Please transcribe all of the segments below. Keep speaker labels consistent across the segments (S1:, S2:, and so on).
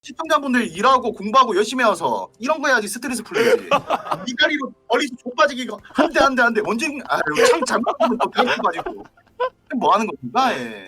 S1: 시청자분들 일하고 공부하고 열심히 와서 이런 거 해야지 스트레스 풀리지. 이 다리로 머리서 족빠지기 이거 한 대 언제 창 잘못 보면 또 가지고 뭐 하는 겁니까? 예.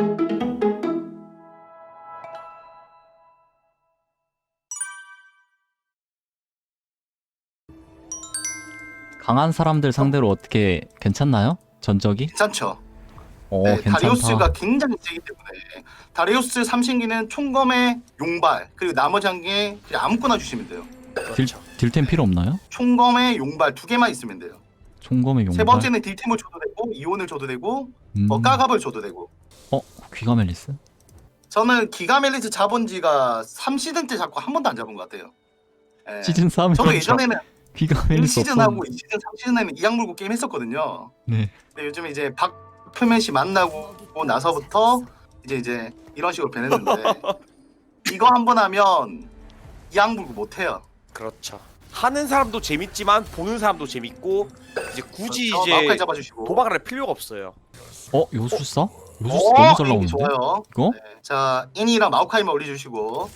S2: 강한 사람들 상대로 어떻게 괜찮나요? 전적이?
S1: 괜찮죠.
S2: 네, 괜찮다.
S1: 다리우스가 굉장히 세기 때문에 다리우스 삼신기는 총검에 용발 그리고 나머지 한 개 그냥 아무거나 주시면 돼요.
S2: 딜템 필요 없나요?
S1: 총검에 용발 2개만 있으면 돼요.
S2: 총검의 용발.
S1: 세 번째는 딜템을 줘도 되고 이온을 줘도 되고 까갑을 줘도 되고.
S2: 귀가멜리스?
S1: 저는 기가멜리스 잡은 지가 3시즌 때 잡고 한 번도 안 잡은 것 같아요. 예.
S2: 시즌 3
S1: 저도 예전에는
S2: 귀가멜리스
S1: 1시즌하고 2시즌, 3시즌에는 이악 물고 게임 했었거든요.
S2: 네.
S1: 근데 요즘에 이제 박표면씨 만나고 나서부터 이제 이런 식으로 변했는데 이거 한 번 하면 이악 물고 못 해요.
S3: 그렇죠. 하는 사람도 재밌지만 보는 사람도 재밌고 이제 굳이
S1: 그렇죠.
S3: 이제
S1: 마우카이 잡아주시고.
S3: 도박을 할 필요가 없어요.
S2: 요술사? 요술사 너무 잘 나오는데?
S1: 좋아요.
S2: 이거?
S1: 네. 자, 애니랑 마우카이만 올려주시고.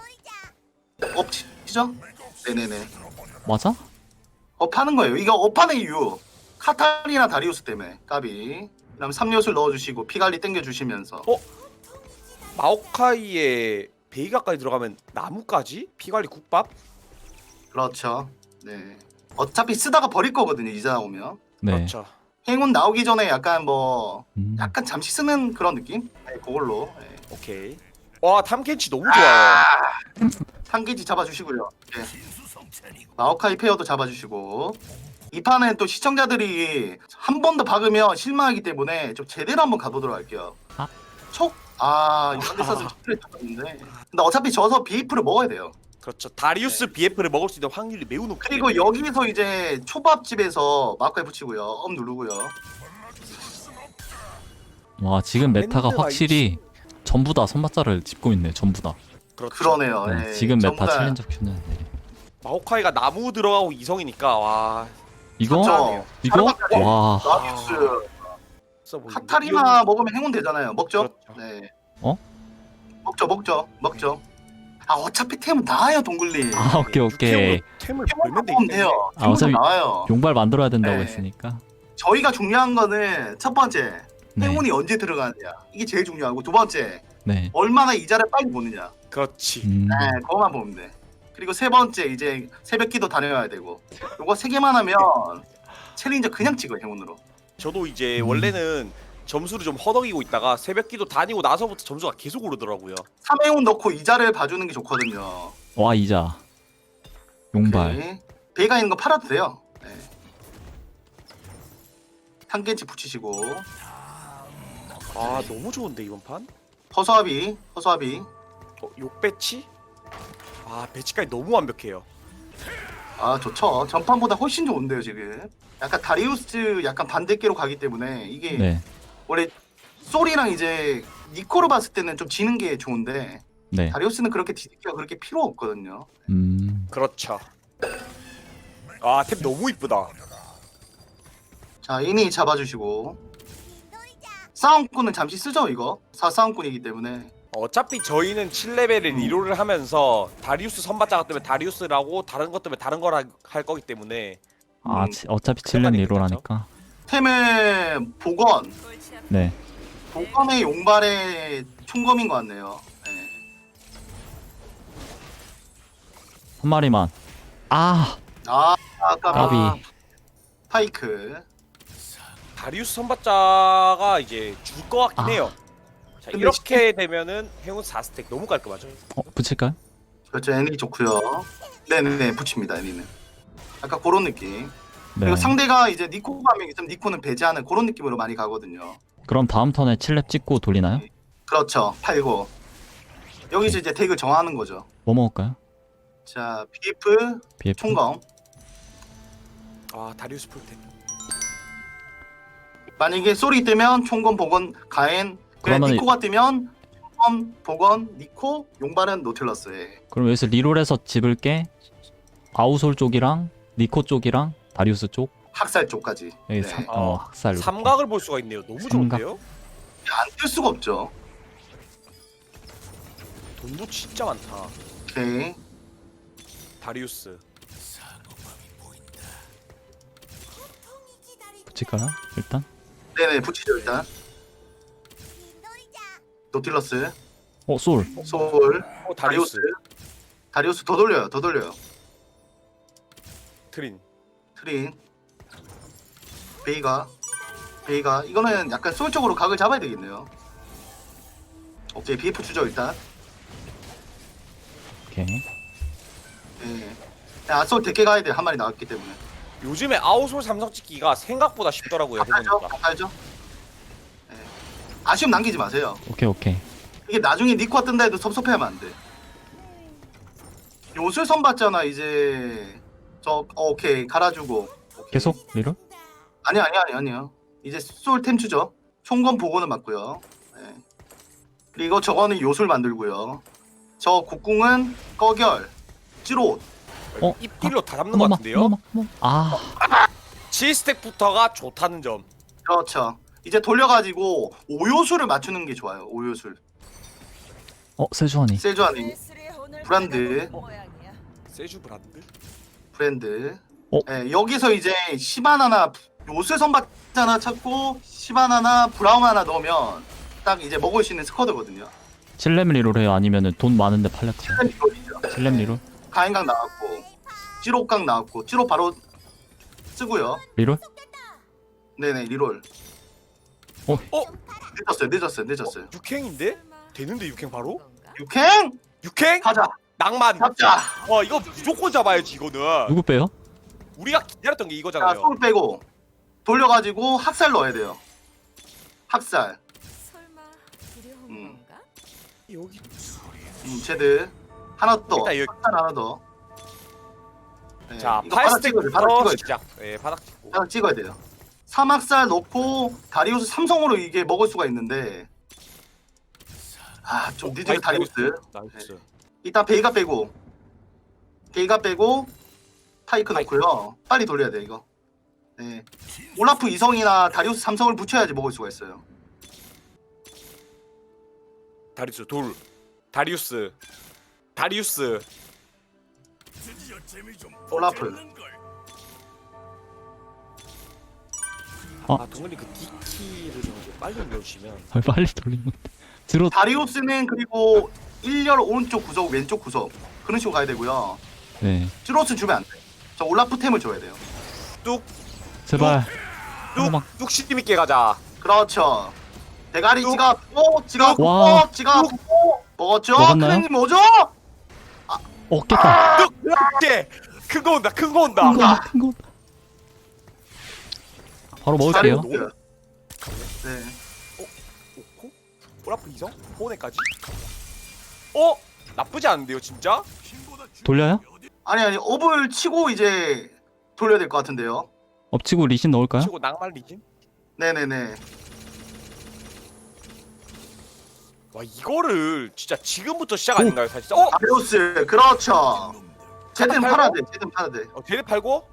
S1: 업치죠? 네네네.
S2: 맞아?
S1: 업하는 거예요. 이거 업하는 이유. 카타리나 다리우스 때문에 까비. 그다음 3엿을 넣어주시고 피갈리 땡겨주시면서.
S3: 마오카이에 베이가까지 들어가면 나무까지? 피관리 국밥?
S1: 그렇죠. 네. 어차피 쓰다가 버릴 거거든요. 이자 나오면.
S2: 네.
S3: 그렇죠.
S1: 행운 나오기 전에 약간
S2: 음.
S1: 약간 잠시 쓰는 그런 느낌? 네, 그걸로. 네.
S3: 오케이. 와 탐켄치 너무 좋아요.
S1: 상기지 잡아주시고요. 네. 마오카이 페어도 잡아주시고. 이 판은 또 시청자들이 한 번 더 박으면 실망하기 때문에 좀 제대로 한번 가보도록 할게요.
S2: 아.
S1: 촉? 이런 데 썼으면 스트레스 받는데. 근데 어차피 져서 BF를 먹어야 돼요.
S3: 그렇죠. 다리우스 BF를 먹을 수 있는 확률이 매우 높기
S1: 그리고
S3: 때문에.
S1: 여기서 이제 초밥집에서 마오카이 붙이고요. 업 누르고요.
S2: 와 지금 메타가
S3: 밴드가
S2: 확실히 전부 다 선발자를 짚고 있네. 전부 다.
S3: 그렇죠.
S1: 그러네요.
S2: 네,
S1: 네,
S2: 지금
S1: 전부
S2: 메타
S1: 다
S2: 챌린저 큐는
S3: 마오카이가 나무 들어가고 이성이니까 와.
S2: 이거?
S1: 그렇죠.
S2: 이거?
S1: 사람들-
S2: 와.
S1: 라비우스
S3: 있어 보이는데?
S1: 카타리나 먹으면 행운 되잖아요. 먹죠?
S3: 그렇죠.
S1: 네.
S2: 어?
S1: 먹죠. 어차피 템은 나와요, 동글님.
S2: 오케이.
S3: 템을
S1: 템만
S3: 벌면
S1: 먹으면
S3: 되겠네.
S1: 돼요.
S2: 아, 어차피
S1: 템은 나와요.
S2: 용발 만들어야 된다고
S1: 네.
S2: 했으니까.
S1: 저희가 중요한 거는 첫 번째,
S2: 네.
S1: 행운이 언제 들어가느냐. 이게 제일 중요하고 두 번째,
S2: 네.
S1: 얼마나 이자를 빨리 보느냐.
S3: 그렇지.
S1: 네, 그거만 보면 돼. 그리고 세 번째, 이제 새벽기도 다녀야 되고. 요거 세 개만 하면 챌린저 그냥 찍어요, 행운으로.
S3: 저도 이제 원래는 점수를 좀 허덕이고 있다가 새벽기도 다니고 나서부터 점수가 계속 오르더라고요.
S1: 3행운 넣고 이자를 봐주는 게 좋거든요.
S2: 와 이자. 용발.
S1: 오케이. 배가 있는 거 팔아도 돼요. 네. 한개치 붙이시고
S3: 아 너무 좋은데 이번 판?
S1: 허수아비
S3: 욕배치? 아 배치까지 너무 완벽해요.
S1: 좋죠. 전판보다 훨씬 좋은데요 지금. 약간 다리우스 약간 반대계로 가기 때문에 이게
S2: 네.
S1: 원래 솔이랑 이제 니코를 봤을 때는 좀 지는 게 좋은데
S2: 네.
S1: 다리우스는 그렇게 뒤집기가 그렇게 필요 없거든요.
S3: 그렇죠. 아 템 너무 이쁘다.
S1: 자 이니 잡아주시고 싸움꾼은 잠시 쓰죠 이거. 4싸움꾼이기 때문에
S3: 어차피 저희는 7레벨을 리롤을 하면서 다리우스 선발자가 뜨면 다리우스라고 다른 것 뜨면 다른 거라 할 거기 때문에
S2: 어차피
S3: 그런
S2: 7렙
S3: 말이
S2: 리로라니까.
S1: 템의 복원
S2: 네.
S1: 복검의 용발의 총검인 것 같네요. 네.
S2: 한 마리만.
S1: 아까
S2: 까비.
S1: 파이크.
S3: 다리우스 선발자가 이제 줄 것 같긴 해요. 자,
S1: 근데
S3: 이렇게 되면은 행운 4스택 너무 깔끔하죠.
S2: 붙일까요?
S1: 그렇죠. 애니 좋고요. 네네 붙입니다. 애니는. 약간 그런 느낌.
S2: 네.
S1: 그리고 상대가 이제 니코가 한 명 있으면 니코는 배제하는 그런 느낌으로 많이 가거든요.
S2: 그럼 다음 턴에 7렙 찍고 돌리나요?
S1: 그렇죠. 팔고 여기서 이제 덱을 정하는 거죠.
S2: 뭐 먹을까요?
S1: 자 BF
S2: BF.
S1: 총검.
S3: 아 다리우스 풀템.
S1: 만약에 솔이 뜨면 총검 복원 가엔. 그래
S2: 그러면
S1: 니코가 뜨면 총검 복원 니코 용발은 노틸러스. 예.
S2: 그럼 여기서 리롤해서 집을게. 아우솔 쪽이랑 니코 쪽이랑 다리우스 쪽.
S1: 학살 쪽까지.
S2: 여기
S1: 네.
S2: 학살. 이렇게.
S3: 삼각을 볼 수가 있네요. 너무
S2: 삼각.
S3: 좋은데요?
S1: 안 뜰 수가 없죠.
S3: 돈도 진짜 많다.
S1: 오케이.
S3: 다리우스.
S2: 붙일까요? 일단
S1: 네네 붙이죠 일단. 노틸러스,
S2: 솔
S1: 소울,
S3: 다리우스.
S1: 다리우스 더 돌려요. 더 돌려요.
S3: 트린.
S1: 트린, 베이가 이거는 약간 소울 쪽으로 각을 잡아야 되겠네요. 오케이 BF 주죠 일단.
S2: 오케이.
S1: 예. 아소울 대게 가야 돼. 한 마리 나왔기 때문에.
S3: 요즘에 아웃솔 삼성 찍기가 생각보다 쉽더라고요.
S1: 알죠?
S3: 해보니까.
S1: 알죠? 예. 아쉬움 남기지 마세요.
S2: 오케이.
S1: 이게 나중에 니코가 뜬다 해도 섭섭해하면 안 돼. 요술 선 봤잖아 이제. 오케이 갈아주고. 오케이.
S2: 계속 리롤?
S1: 아니요. 이제 솔템 추죠. 총검 보고는 맞고요. 예. 그리고 저거는 요술 만들고요. 저 국궁은 꺼결, 찌롯.
S3: 입딜로 다 잡는 것 같은데요?
S2: 아
S3: 7스택부터가 좋다는 점.
S1: 그렇죠. 이제 돌려가지고 오요술을 맞추는 게 좋아요. 오요술.
S2: 세주환이.
S1: 세주안이 브랜드.
S3: 세주 브란드?
S1: 브랜드.
S2: 어?
S1: 예, 여기서 이제 시바나나 요술 선박자나 찾고 시바나나 브라운 하나 넣으면 딱 이제 먹을 수 있는 스쿼드거든요.
S2: 7렘 리롤 해요? 아니면은 돈 많은데 팔렸어요?
S1: 이거이죠.
S2: 7렘 리롤?
S1: 가행각 나왔고 찌롯각 나왔고 찌롯 바로 쓰고요.
S2: 리롤?
S1: 네네 리롤.
S3: 어?
S1: 늦었어요.
S3: 육행인데? 되는데 육행 바로?
S1: 육행
S3: 육행?
S1: 가자.
S3: 낭만.
S1: 잡자.
S3: 이거 무조건 잡아야지 이거는.
S2: 누구 빼요?
S3: 우리가 기다렸던 게
S1: 자
S3: 이거잖아요.
S1: 소울 빼고 돌려가지고 학살 넣어야 돼요. 학살.
S4: 설마 두려운
S1: 음.
S4: 건가?
S3: 여기
S1: 제드 하나 더.
S3: 일단 여기-
S1: 학살 하나 더. 네,
S3: 자
S1: 이거 바닥 찍어야 돼. 바닥
S3: 8스택부터
S1: 찍어야 돼.
S3: 시작. 예, 바닥 찍고.
S1: 바닥 찍어야 돼요. 삼학살 넣고 다리우스 삼성으로 이게 먹을 수가 있는데 좀 늦은 다리우스.
S3: 나이스.
S1: 일단 베이가 빼고 타이크 넣고요. 빨리 돌려야 돼 이거. 네. 올라프 이성이나 다리우스 삼성을 붙여야지 먹을 수가 있어요.
S3: 다리우스 돌. 다리우스.
S1: 올라프.
S3: 동근이 그 D키를 좀 빨리 눌러주시면.
S2: 빨리 돌리면 들어.
S1: 다리우스는 그리고 1열 오른쪽 구석 왼쪽 구석 그런 식으로 가야 되고요.
S2: 네.
S1: 찌로스 주면 안 돼. 저 올라프 템을 줘야 돼요.
S3: 뚝.
S2: 제발. 한번만.
S3: 뚝심 있게 가자.
S1: 그렇죠. 대가리 지갑
S2: 와.
S1: 먹었죠?
S2: 먹었나요?
S1: 크랭님 뭐죠?
S2: 깼다.
S3: 뚝. 이렇게 큰 거 온다.
S2: 큰 거 온다. 바로 먹을게요.
S1: 다리우스. 네.
S3: 오코? 올라프 이성? 호네까지? 나쁘지 않은데요, 진짜?
S2: 돌려요?
S1: 아니 업을 치고 이제 돌려야 될 것 같은데요.
S2: 엎치고 리신 넣을까요?
S3: 치고 낭만 리진?
S1: 네네네.
S3: 와, 이거를 진짜 지금부터 시작
S2: 오.
S3: 아닌가요, 사실?
S1: 다리우스 그렇죠. 제든
S3: 팔고?
S1: 팔아야 돼. 제든 팔아야 돼.
S3: 대대 팔고?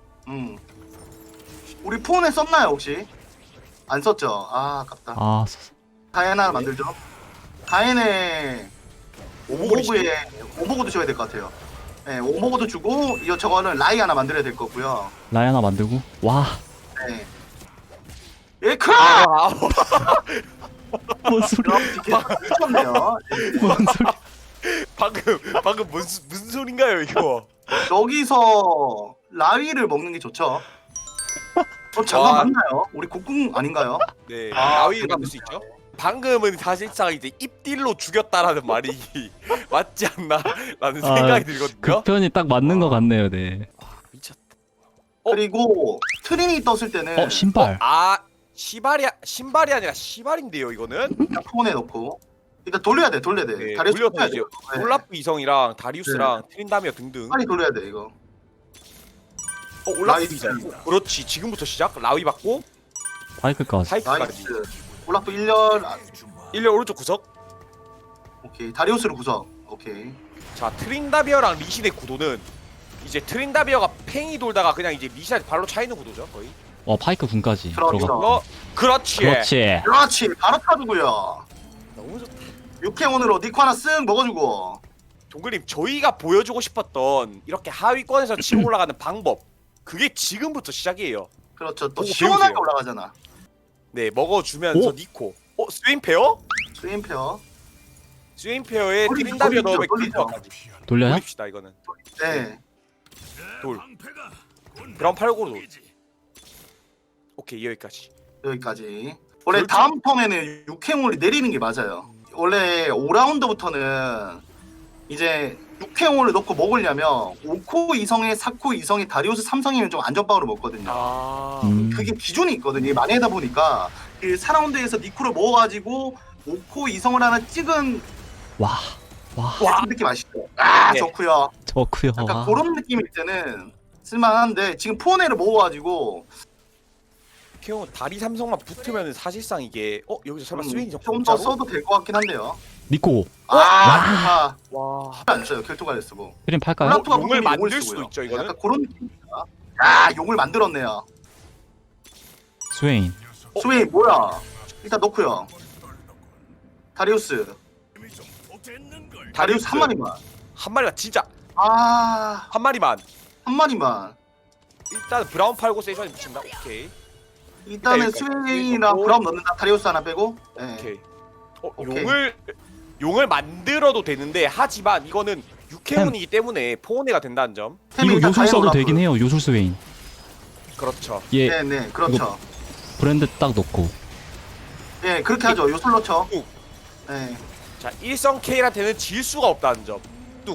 S1: 우리 폰에 썼나요 혹시? 안 썼죠. 아깝다. 가엔 하나 만들죠. 가엔에 오버고에 오버고도 줘야 될 것 같아요. 네, 오버고도 주고 이거 저거는 라이 하나 만들어야 될 거고요.
S2: 라이 하나 만들고. 와.
S1: 네. 예크라!
S2: 뭔 소리야?
S1: 미쳤네요.
S2: 뭔 소리야?
S3: 방금 무슨 소린가요, 이거?
S1: 여기서 라위를 먹는 게 좋죠. 잠깐
S3: 와.
S1: 맞나요? 우리 국궁 아닌가요?
S3: 네,
S1: 아,
S3: 나위를 만들 수 있죠. 방금은 사실상 이제 입딜로 죽였다라는 말이 맞지 않나라는 생각이 들거든요.
S2: 그 편이 딱 맞는 것 같네요, 네.
S3: 미쳤다.
S1: 그리고 트린이 떴을 때는
S2: 신발.
S3: 신발이 아니라 시발인데요, 이거는.
S1: 그냥 폰에 넣고 일단 돌려야 돼.
S3: 네,
S1: 다리우스
S3: 돌려서
S1: 쳐야
S3: 이제
S1: 돼요. 네.
S3: 올라프 이성이랑 다리우스랑 트린다미어 등등.
S1: 빨리 돌려야 돼 이거.
S3: 올라프
S1: 나이스.
S3: 이성. 그렇지, 지금부터 시작. 라위 받고
S2: 파이크까지.
S3: 사이클까지.
S1: 나이스. 올라프 1열
S3: 1렬 오른쪽 구석.
S1: 오케이. 다리우스로 구석. 오케이.
S3: 자, 트린다비어랑 리신의 구도는 이제 트린다비어가 팽이 돌다가 그냥 이제 리신한테 발로 차이는 구도죠, 거의.
S2: 파이크 군까지
S1: 그렇죠.
S2: 들어가.
S3: 그렇지.
S1: 그렇지. 바로 타주고요.
S3: 너무 좋다.
S1: 육행온으로 니코 하나 쓱 먹어주고
S3: 동글님 저희가 보여주고 싶었던 이렇게 하위권에서 치고 올라가는 방법 그게 지금부터 시작이에요.
S1: 그렇죠. 또
S3: 보고
S1: 시원하게
S3: 배우세요.
S1: 올라가잖아.
S3: 네 먹어주면서
S2: 오?
S3: 니코 스웨인 페어?
S1: 스웨인페어.
S3: 스웨인 페어에
S1: 돌리죠,
S3: 트린다비어
S1: 돌리죠,
S3: 넣으면
S1: 돌리죠.
S3: 클리퍼까지
S2: 돌려요?
S3: 돌립시다 이거는.
S1: 네.
S3: 돌 브라운 8고로 돌. 오케이 여기까지.
S1: 여기까지. 원래
S3: 그렇죠.
S1: 다음 턴에는 6회용을 내리는 게 맞아요. 원래 5라운드부터는 이제 6회용을 넣고 먹으려면 5코 이성에 4코 이성에 다리우스 3성이면 좀 안전빵으로 먹거든요.
S3: 아
S1: 그게 기준이 있거든요. 만회다 보니까 그 4라운드에서 니코를 먹어가지고 5코 이성을 하나 찍은
S2: 와
S1: 그 느낌 아시죠? 아
S3: 네.
S1: 좋고요.
S2: 좋구요.
S1: 약간
S2: 와.
S1: 그런 느낌일 때는 쓸만한데 지금 포네를 먹어가지고
S3: 케어 다리 삼성만 붙으면 사실상 이게 여기서 설마 스웨인이
S1: 좀
S3: 좀
S1: 더 써도 될 것 같긴 한데요.
S2: 니코
S1: 아,
S3: 와
S1: 안 써요. 결투가 쓰고.
S2: 힐링 팔까요?
S1: 플라토가
S3: 용을
S1: 보통
S3: 만들
S1: 쓰고요.
S3: 수도 있죠, 이거는?
S1: 약간 그런 느낌입니다. 아 용을 만들었네요.
S2: 스웨인.
S1: 스웨인 뭐야? 일단 넣고요. 다리우스 다리우스 한 마리만.
S3: 한 마리만 진짜
S1: 아,
S3: 한 마리만.
S1: 한 마리만.
S3: 일단 브라운 팔고 세션이 붙인다. 오케이.
S1: 일단은
S3: 일단 여기까지.
S1: 스웨인이랑
S3: 그리고-
S1: 브라운 넣는다. 다리우스 하나 빼고. 네.
S3: 오케이.
S1: 오케이.
S3: 용을 만들어도 되는데 하지만 이거는 육해문이기 때문에 포온해가 된다는 점.
S1: 템이
S2: 이거
S1: 일단
S2: 요술 써도
S1: 다이너라고요.
S2: 되긴 해요. 요술 스웨인.
S3: 그렇죠.
S2: 얘
S1: 네네 그렇죠.
S2: 브랜드 딱 넣고.
S1: 예 그렇게 하죠. 요술 넣죠.
S3: 뚝.
S1: 네.
S3: 자 일성 K한테는 질 수가 없다는 점.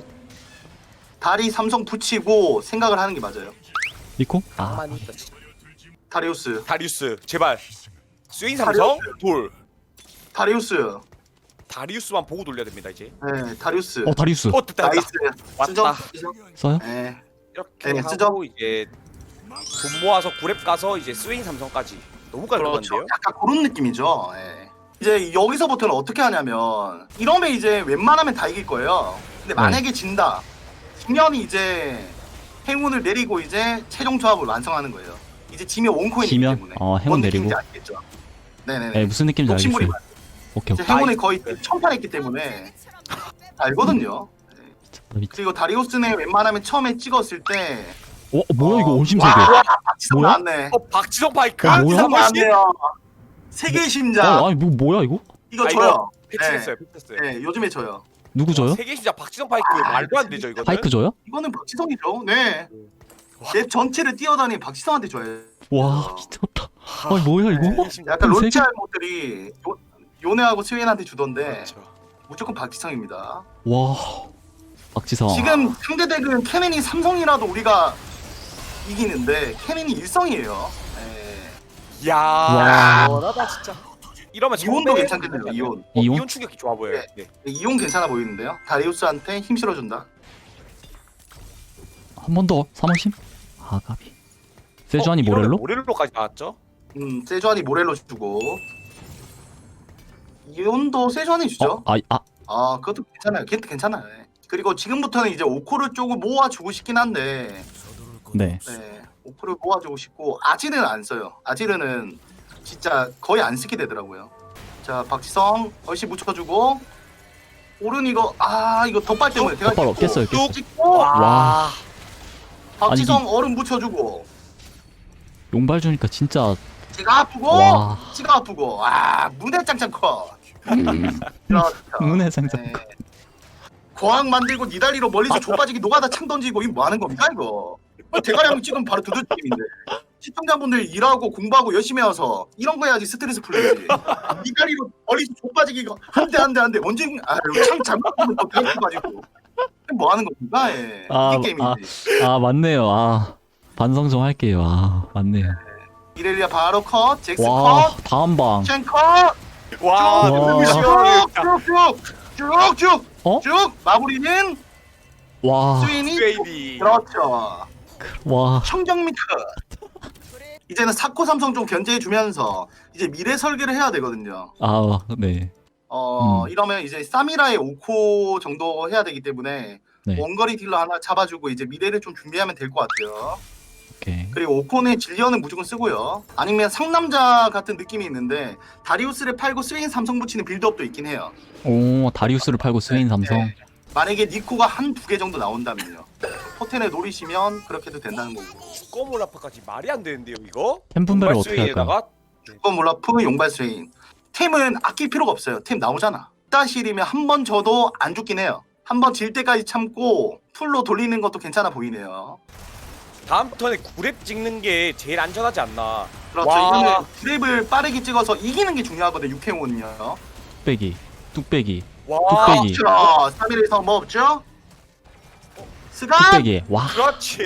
S1: 다리 삼성 붙이고 생각을 하는 게 맞아요.
S2: 니코? 아
S3: 가만히 있다.
S1: 다리우스.
S3: 다리우스 제발. 스웨인 삼성 돌.
S1: 다리우스.
S3: 다리우스만 보고 돌려야 됩니다 이제.
S1: 네 다리우스.
S2: 다리우스
S3: 됐다
S1: 나이스. 쓰죠?
S3: 왔다.
S1: 쓰죠?
S2: 써요?
S1: 네.
S3: 이렇게
S1: 네,
S3: 하고
S1: 쓰죠?
S3: 이제 돈 모아서 구랩 가서 이제 스웨인 삼성까지 너무
S1: 그렇죠.
S3: 깔끔한데요?
S1: 약간 그런 느낌이죠. 예. 이제 여기서부터는 어떻게 하냐면 이러면 이제 웬만하면 다 이길 거예요. 근데 만약에 진다. 승현이 이제 행운을 내리고 이제 최종 조합을 완성하는 거예요. 이제 지면 원코인이기
S2: 지면?
S1: 때문에.
S2: 행운
S1: 뭔
S2: 내리고.
S1: 느낌인지 알겠죠? 네네네.
S2: 네 무슨 느낌인지
S1: 욕심부리
S2: 알겠어요. 오케이
S1: 이제
S2: 오케이.
S1: 행운을 거의 천판했기 때문에 알거든요.
S2: 미쳤다 미쳤다.
S1: 그리고 다리우스는 웬만하면 처음에 찍었을 때
S2: 뭐야 이거 온심세계.
S1: 와, 박지성
S2: 뭐야?
S1: 나왔네.
S3: 박지성 파이크?
S2: 뭐야?
S1: 박지성
S3: 박지성
S1: 나왔네요. 세계 심장.
S2: 아니 뭐야 이거?
S1: 이거
S3: 아,
S1: 줘요.
S3: 패치했어요 패치했어요.
S1: 네, 요즘에 줘요.
S2: 누구 줘요?
S3: 세계 시작 박지성 파이크 말도 안 되죠 이거는.
S2: 파이크 줘요?
S1: 이거는 박지성이죠. 네.
S3: 와.
S1: 랩 전체를 뛰어다니는 박지성한테 줘요.
S2: 와 미쳤다. 아니 뭐야 이거?
S1: 약간
S2: 세계-
S1: 론치 할모들이 요네하고 스웨인한테 주던데
S3: 그렇죠.
S1: 무조건 박지성입니다.
S2: 와 박지성.
S1: 지금 상대덱은 케넨이 삼성이라도 우리가 이기는데 케넨이 일성이에요. 네.
S3: 야,
S2: 와.
S3: 원하다 진짜. 이러면
S1: 이온도
S3: 정말-
S1: 괜찮거든요. 이온.
S2: 이온?
S3: 이온 충격기 좋아 보여요. 네.
S1: 이온 괜찮아 보이는데요. 다리우스한테 힘 실어준다.
S2: 한 번 더 3원심? 아가비. 세주아니
S3: 이러면
S2: 모렐로?
S3: 모렐로까지 나왔죠?
S1: 세주안이 모렐로 주고 이온도 세주안이 주죠. 아 그것도 괜찮아요. 걔도 괜찮아요. 네. 그리고 지금부터는 이제 오코를 조금 모아주고 싶긴 한데
S2: 네.
S1: 네, 오코를 모아주고 싶고 아지르는 안 써요. 아지르는 진짜 거의 안 쓰게 되더라고요. 자 박지성 얼씨 묻혀주고 오른 이거 이거 덧발 때문에 대가
S2: 덧발 깼어요, 깼어요.
S1: 찍고
S2: 와.
S1: 박지성 얼음 묻혀주고
S2: 용발 주니까 진짜
S1: 지가 아프고
S2: 와.
S1: 지가 아프고 문에 짱짱 커. 그렇죠.
S2: 문에 짱짱
S1: 네. 거항 만들고 니달리로 멀리서 족빠지기 노가다 창 던지고 이거 뭐 하는 겁니까 이거? 대가량 찍으면 바로 두들김인데 시청자분들 일하고 공부하고 열심히 와서 이런 거 해야지 스트레스 풀리지. 니달리로 멀리서 족빠지기 이거 한대 언제 창 잘못 보면 또 배고파가지고 뭐 하는 겁니까? 예. 이게 게임이지.
S2: 맞네요. 반성 좀 할게요. 맞네요.
S1: 이렐리아 바로 컷, 잭스
S2: 와
S1: 컷,
S2: 다음 방.
S1: 첸 컷,
S3: 와,
S2: 와. 어?
S1: 쭉쭉쭉쭉쭉 마무리는
S2: 와.
S1: 스윈이
S3: 스웨이디.
S1: 그렇죠.
S2: 와.
S1: 청정미 컷. 이제는 사코 삼성 좀 견제해주면서 이제 미래 설계를 해야 되거든요.
S2: 네.
S1: 이러면 이제 사미라의 5코 정도 해야 되기 때문에
S2: 네.
S1: 원거리 딜러 하나 잡아주고 이제 미래를 좀 준비하면 될 것 같아요.
S2: 오케이.
S1: 그리고 5콘의 질리언은 무조건 쓰고요. 아니면 상남자 같은 느낌이 있는데 다리우스를 팔고 스웨인 삼성 붙이는 빌드업도 있긴 해요.
S2: 오 다리우스를 팔고 스웨인 삼성.
S1: 만약에 니코가 한 두 개 정도 나온다면요. 포텐에 노리시면 그렇게 해도 된다는 거고.
S3: 주꺼몰라파까지 말이 안 되는데요 이거?
S2: 템 분배를 어떻게 할까요?
S3: 발수에다가
S1: 주권 몰라프 용발 스웨인. 템은 아낄 필요가 없어요. 템 나오잖아. 따실이면 한 번 져도 안 죽긴 해요. 한 번 질 때까지 참고 풀로 돌리는 것도 괜찮아 보이네요.
S3: 다음 턴에 9렙 찍는 게 제일 안전하지 않나.
S1: 그렇죠.
S3: 와.
S1: 이거는 드랩을 빠르게 찍어서 이기는 게 중요하거든요. 육행운은요.
S2: 뚝배기 뚝배기
S3: 와
S2: 뚝배기.
S1: 그렇죠. 3일에서 뭐 없죠? 스간!
S2: 뚝배기. 와
S3: 그렇지.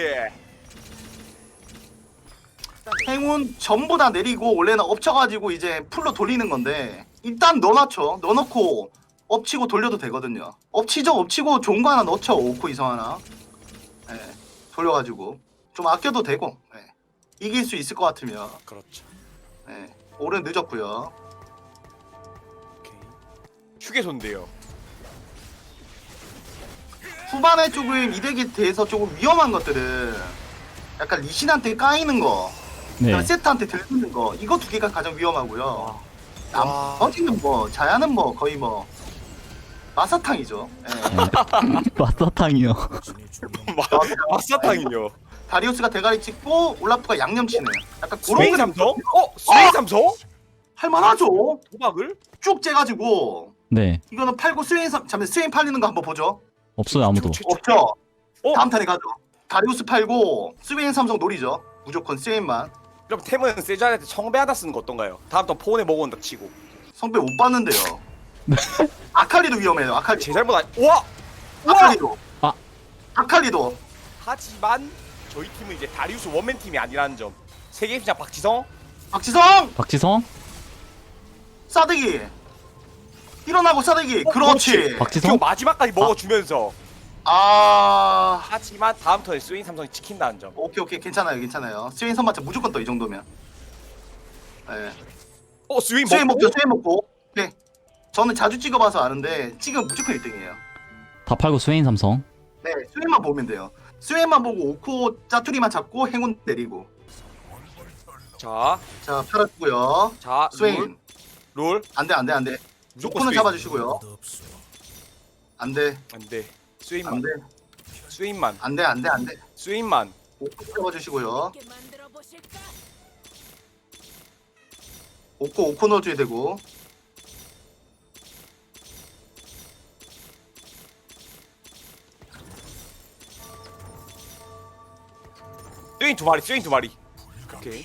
S1: 행운 전부 다 내리고 원래는 엎쳐가지고 이제 풀로 돌리는 건데 일단 넣어놨죠. 넣어놓고 엎치고 돌려도 되거든요. 엎치죠. 엎치고 좋은 거 하나 넣죠. 오코 이성 하나. 네, 돌려가지고 좀 아껴도 되고 네. 이길 수 있을 것 같으면
S3: 그렇죠.
S1: 네. 올은 늦었고요.
S3: 오케이. 휴게소인데요.
S1: 후반에 조금 이득에 대해서 조금 위험한 것들은 약간 리신한테 까이는 거,
S2: 네.
S1: 그다음에 세트한테 들리는 거 이거 두 개가 가장 위험하고요.
S3: 와.
S1: 나머지는 뭐 자야는 뭐 거의 뭐 마사탕이죠. 예.
S2: 마사탕이요.
S3: 마사탕이요.
S1: 다리우스가 대가리 찍고 올라프가 양념 치네. 약간 그런
S3: 스웨인
S1: 거
S3: 삼성? 스웨인 삼성?
S1: 할만하죠.
S3: 도박을?
S1: 쭉 째가지고
S2: 네
S1: 이거는 팔고 잠깐 스웨인 팔리는 거 한번 보죠.
S2: 없어요 아무도.
S1: 없죠.
S3: 어?
S1: 다음 탄에 가죠. 다리우스 팔고 스웨인 삼성 노리죠. 무조건 스웨인만.
S3: 그럼 템은 세주한테 청배 하나 쓰는 거 어떤가요? 다음 턴 폰에 먹어온다 치고.
S1: 성배 못 봤는데요. 아칼리도 위험해요. 아칼리.
S3: 제 잘못 아니. 와! 와!
S1: 아칼리도.
S2: 아.
S1: 아칼리도.
S3: 하지만 저희 팀은 이제 다리우스 원맨 팀이 아니라는 점. 세계 시장 박지성.
S1: 박지성
S2: 박지성?
S1: 싸대기. 일어나고 싸대기. 그렇지.
S2: 박지성?
S3: 그 마지막까지 먹어주면서.
S1: 아.
S3: 하지만 다음 턴에 스웨인 삼성이 지킨다는 점.
S1: 오케이 괜찮아요 괜찮아요. 스웨인 선마차 무조건 떠 이 정도면. 네.
S3: 스웨인
S1: 스웨인
S3: 먹고.
S1: 먹죠 스웨인 먹고. 네. 저는 자주 찍어봐서 아는데 찍으면 무조건 1등이에요.
S2: 다 팔고 스웨인 삼성.
S1: 네, 스웨인만 보면 돼요. 스웨인만 보고 오코 짜투리만 잡고 행운 내리고.
S3: 자,
S1: 자 팔았고요.
S3: 자,
S1: 스웨인
S3: 롤.
S1: 안돼.
S3: 무조건
S1: 오코는
S3: 스웨인.
S1: 잡아주시고요. 안돼
S3: 안돼. 스웨인만.
S1: 안돼
S3: 스웨인만.
S1: 안돼.
S3: 스웨인만.
S1: 오코 잡아주시고요.
S4: 함께 만들어 보실까?
S1: 오코 넣어줘야 되고.
S3: 스웨인 두 마리. 스웨인 두 마리. 오케이.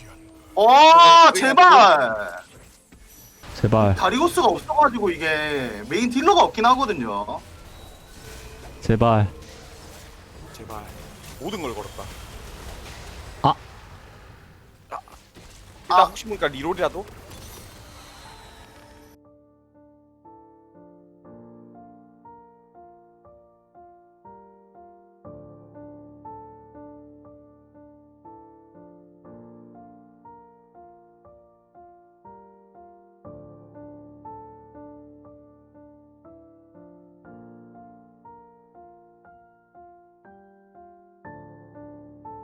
S1: 제발.
S2: 제발
S1: 다리우스가 없어가지고 이게 메인 딜러가 없긴 하거든요.
S2: 제발.
S3: 제발. 모든 걸 걸었다.
S2: 아.
S3: 일단 혹시 모르니까 리롤이라도.